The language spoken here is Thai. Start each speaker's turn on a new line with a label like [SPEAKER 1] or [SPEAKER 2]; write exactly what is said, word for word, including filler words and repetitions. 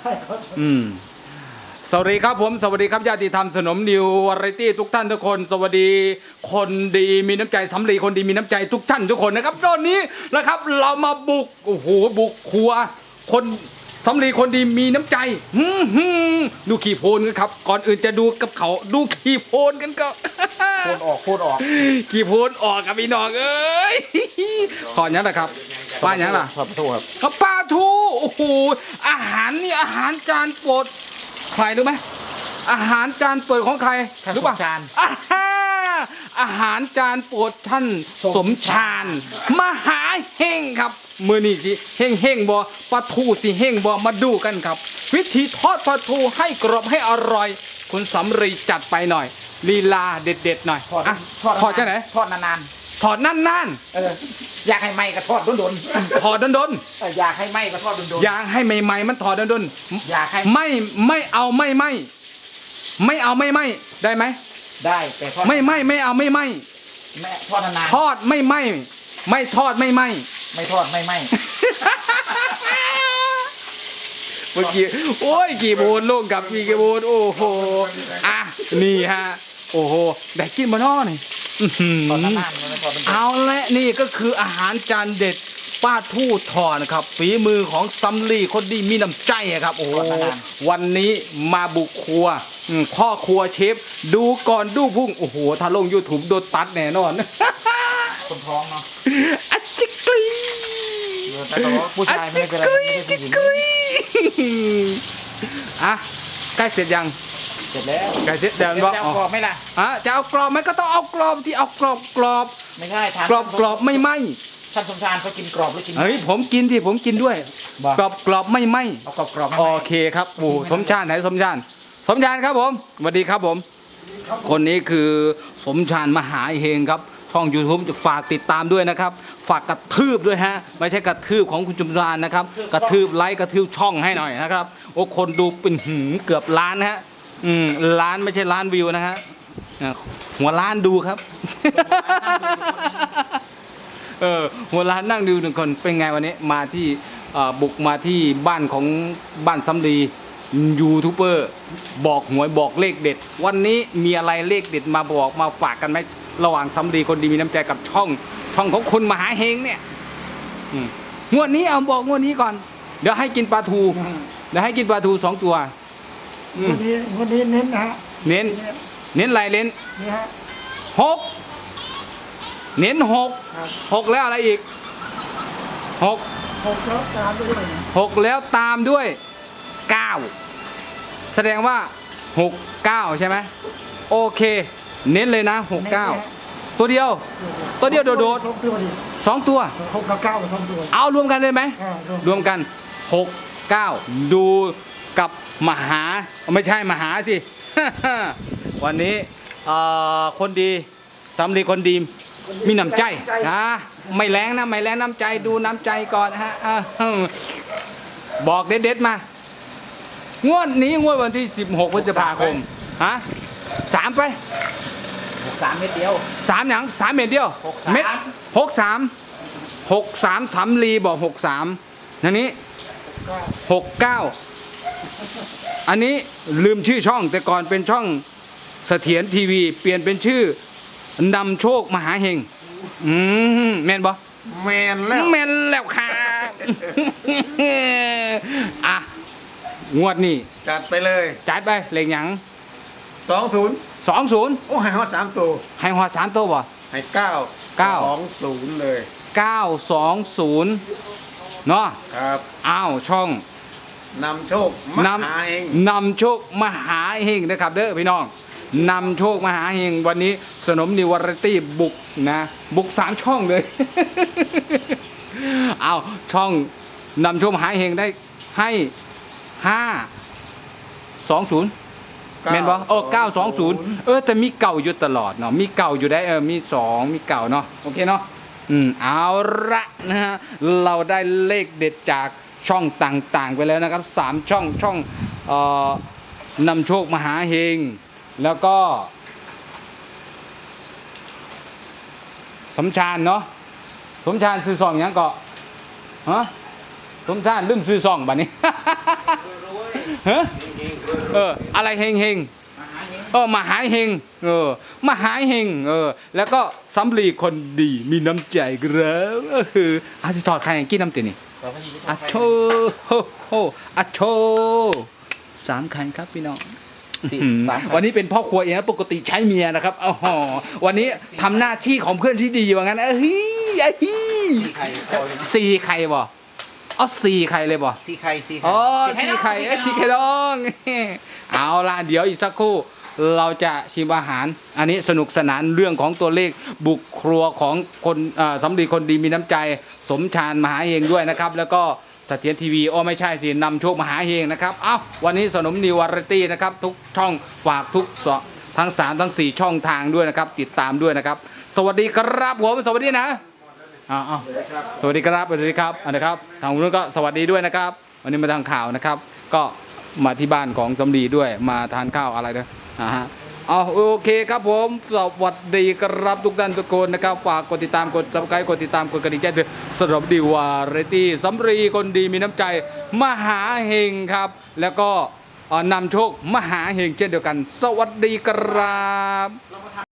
[SPEAKER 1] อืมสวัสดีครับผมสวัสดีครับญาติธรรมสนมนิววาไรตี้ทุกท่านทุกคนสวัสดีคนดีมีน้ำใจสำลีคนดีมีน้ำใจทุกท่านทุกคนนะครับตอนนี้นะครับเรามาบุกโอ้โหบุกครัวคนสำลีคนดีมีน้ำใจดูขี่โพนกันครับก่อนอื่นจะดูกับเขาดูขี่โพนกันก็
[SPEAKER 2] โพนออกโพนออก
[SPEAKER 1] ขี่โพนออกกับพี่น้องเอ้ยขออย่างนะครับป้าอย่างล่ะ
[SPEAKER 2] ปลาทูครับ
[SPEAKER 1] ครับปลาทูโอ้โหอาหารนี่อาหารจานโปรดใครรู้ไหมอาหารจานโปรดของใครรู้ป่ะอาหารจานโปรดท่านสมชาญมหาเฮงครับมือนี่สิเฮงเฮงบ่ปลาทูสิเฮงบ่มาดูกันครับวิธีทอดปลาทูให้กรอบให้อร่อยคุณสำรีจัดไปหน่อยลีลาเด็ดๆหน่อย
[SPEAKER 2] ทอด
[SPEAKER 1] ทอดจะไหน
[SPEAKER 2] ทอดนาน
[SPEAKER 1] ๆทอดนาน
[SPEAKER 2] ๆเอออยากให้ไหมก็ทอดดน
[SPEAKER 1] ๆทอดดน
[SPEAKER 2] ๆอยากให้ไหมก็ทอดดน
[SPEAKER 1] ๆอยากให้ใหม่ๆมันทอดดน
[SPEAKER 2] ๆอยากให้
[SPEAKER 1] ไม่ไม่เอาไม่ไม่ไม่เอาไม่ไม่ได้ไหม
[SPEAKER 2] ได้แต่ทอด
[SPEAKER 1] ไม่ไม่ไม่เอาไม่ไม่
[SPEAKER 2] แม่ทอดนาน
[SPEAKER 1] ๆทอดไม่ไม่ไม่ทอดไม่ไม่
[SPEAKER 2] ไม่ทอดไม่ไม่
[SPEAKER 1] เมื่อกี้โอ้ยกี่โบนลูกกับกี่โบนโอ้โหอ่ะนี่ฮะโอ้โหได้กินมาน้อนี่เอาละนี่ก็คืออาหารจานเด็ดป้าทู่ทอนะครับฝีมือของซัมลีคนดีมีน้ำใจครับโอ้โหวันนี้มาบุกครัวพ่อครัวเชฟดูก่อนดูพุ่งโอ้โหถ้าลง ยูทูบ โดนตัดแน่นอน
[SPEAKER 2] คนท้องเนาะ
[SPEAKER 1] อัจจิกรี
[SPEAKER 2] ผู้ชายไม่เป็นไรไม่ใช่ผู้หญิง
[SPEAKER 1] อ่ะใกล้เสร็จยัง
[SPEAKER 2] เสร็จแล้ว
[SPEAKER 1] ใกล้เสร็จแล้วบอก
[SPEAKER 2] เอากรอบไหมล่ะ
[SPEAKER 1] อ่ะจะเอากรอบไหมก็ต้องเอากรอบที่เอากรอบกรอบ
[SPEAKER 2] ไม่ใช่
[SPEAKER 1] กรอบกรอบไม่ไหม
[SPEAKER 2] ท่านสมชายเขากินกรอบหรือกิน
[SPEAKER 1] เฮ้ยผมกินที่ผมกินด้วยกรอบกรอบไม่ไหม
[SPEAKER 2] เอากรอบกรอบ
[SPEAKER 1] โอเคครับโอ้สมชาญไหนสมชาญสมชาญครับผมสวัสดีครับผมคนนี้คือสมชาญมหาเฮงครับช่อง ยูทูบ จะฝากติดตามด้วยนะครับฝากกระทืบด้วยฮะไม่ใช่กระทืบของคุณจุมรานนะครับกระทืบไลค์กระทืบช่องให้หน่อยนะครับโอ้คนดูเป็นหืมเกือบล้านฮะอืมล้านไม่ใช่ล้านวิวนะฮะหัวล้านดูครับเออหัวล้านนั่งดูหนึ่งคนเป็นไงวันนี้มาที่บุกมาที่บ้านของบ้านสำลียูทูบเบอร์บอกหวยบอกเลขเด็ดวันนี้มีอะไรเลขเด็ดมาบอกมาฝากกันไหมระหว่างสำลีคนดีมีน้ำใจกับช่องช่องของคุณมหาเฮงเนี่ยงวดนี้เอาบอกงวดนี้ก่อนเดี๋ยวให้กินปลาทูเดี๋ยวให้กินปลาทูสองตัว
[SPEAKER 3] งวดนี้งวดนี้เน้นนะ
[SPEAKER 1] เน้นเน้นอะไรเน้นหกเน้นหกหกแล้วอะไรอีกหก
[SPEAKER 3] หกแล้วตามด้วย
[SPEAKER 1] หกแล้วตามด้วยเก้าแสดงว่าหกเก้าใช่ไหมโอเคเน้นเลยนะหกเก้าตัวเดียวตัวเดียวโดดๆสองตัว
[SPEAKER 3] หกกับเก้าสองตัว
[SPEAKER 1] เอารวมกันเลยไหมรวมกันหกเก้าดูกับมหาไม่ใช่มหาสิวันนี้คนดีสำลีคนดีมีน้ำใจนะไม่แรงนะไม่แรงน้ำใจดูน้ำใจก่อนฮะบอกเด็ดๆมางวดนี้งวดวันที่สิบหกพฤษภาคมฮะสามไป
[SPEAKER 2] หกสามเม็ดเดียว
[SPEAKER 1] สามอย่างสามเม็ดเดียวเม็ดหกสามหกสามสำลีบอกหกสามอันนี้หกเก้าอันนี้ลืมชื่อช่องแต่ก่อนเป็นช่องเสถียรทีวีเปลี่ยนเป็นชื่อนำโชคมหาเฮงอืมแมนบ่
[SPEAKER 2] แมนแล้ว
[SPEAKER 1] แมนแล้วค่ะอ่ะงวดนี้
[SPEAKER 2] จัดไปเลย
[SPEAKER 1] จัดไปเลขหยัง
[SPEAKER 2] สองศูนย์
[SPEAKER 1] สองศูนย์
[SPEAKER 2] โอ้ให้ฮอดสามตัว
[SPEAKER 1] ให้ฮอดสามตัวบ่
[SPEAKER 2] ให้เก้า
[SPEAKER 1] เก้า
[SPEAKER 2] สองศูนย์เลย
[SPEAKER 1] เก้าสองศูนย์เนาะ
[SPEAKER 2] ครับ
[SPEAKER 1] อ้าวช่อง
[SPEAKER 2] นำโชคมหาเฮง
[SPEAKER 1] นำโชคมหาเฮงนะครับเด้อพี่น้องนำโชคมหาเฮงวันนี้สนมนิววาไรตี้บุกนะบุกสามช่องเลยเอาช่องนำโชคมหาเฮงได้ให้ห้าสองศูนย์เมนบอโอ้เก้าสองศูนย์เออแต่มีเก่าอยู่ตลอดเนาะมีเก่าอยู่ได้เออมีสองมีเก่าเนาะโอเคเนาะอืมเอาละนะฮะเราได้เลขเด็ดจากช่องต่างๆไปแล้วนะครับสามช่องช่องเอ่อนำโชคมหาเฮงแล้วก็สมชาญเนาะสมชาญซื้อซองยังเกาะฮะสมชาญลืมซื้อซองบัดนี้ฮะเอออะไรเฮงเฮงเออมหาเฮงเออมหาเฮงเออแล้วก็สำลีคนดีมีน้ำใจครับเอออาจจะถอดใครกินน้ำตีนี่อะโชโฮโฮอะโชสามคันครับพี่น้องวันนี้เป็นพ่อครัวเองนะปกติใช้เมียนะครับอ๋อวันนี้ทำหน้าที่ของเพื่อนที่ดีว่างั้นเอ้ยไอ้สี่ไข่บ่อ๋อสี่ไข่เลยบ่
[SPEAKER 2] สีไข่สีไข่
[SPEAKER 1] อ๋อสีไข่เอ้ยสีไข่ดอง เอาล่ะเดี๋ยวอีกสักครู่เราจะชิมอาหาร อันนี้สนุกสนานเรื่องของตัวเลขบุกครัวของคนอ่าสำลีคนดีมีน้ำใจสมชาญมหาเฮงด้วยนะครับ แล้วก็เสถียรทีวีโอ้ไม่ใช่สินำโชคมหาเฮงนะครับเอ้าวันนี้สนมนิววาไรตี้นะครับทุกช่องฝากทุกสทั้งสามทั้งสี่ช่องทางด้วยนะครับติดตามด้วยนะครับสวัสดีครับผมสวัสดีนะอ้าวสวัสดีครับสวัสดีครับอันนะครับทางนู้นก็สวัสดีด้วยนะครับ วันนี้มาทางข่าวนะครับ ก็มาที่บ้านของสำลีด้วยมาทานข้าวอะไรด้วยอ่าฮะเอาโอเคครับผมสวัสดีครับทุกท่านทุกคนนะครับฝากกดติดตามกดซับสไครต์กดติดตามกดกระดิ่งแจ้งเตือนสำหรับดีวาไรตี้สำลีคนดีมีน้ำใจมหาเฮงครับ แล้วก็นำโชคมหาเฮงเช่นเดียวกัน สวัสดีครับ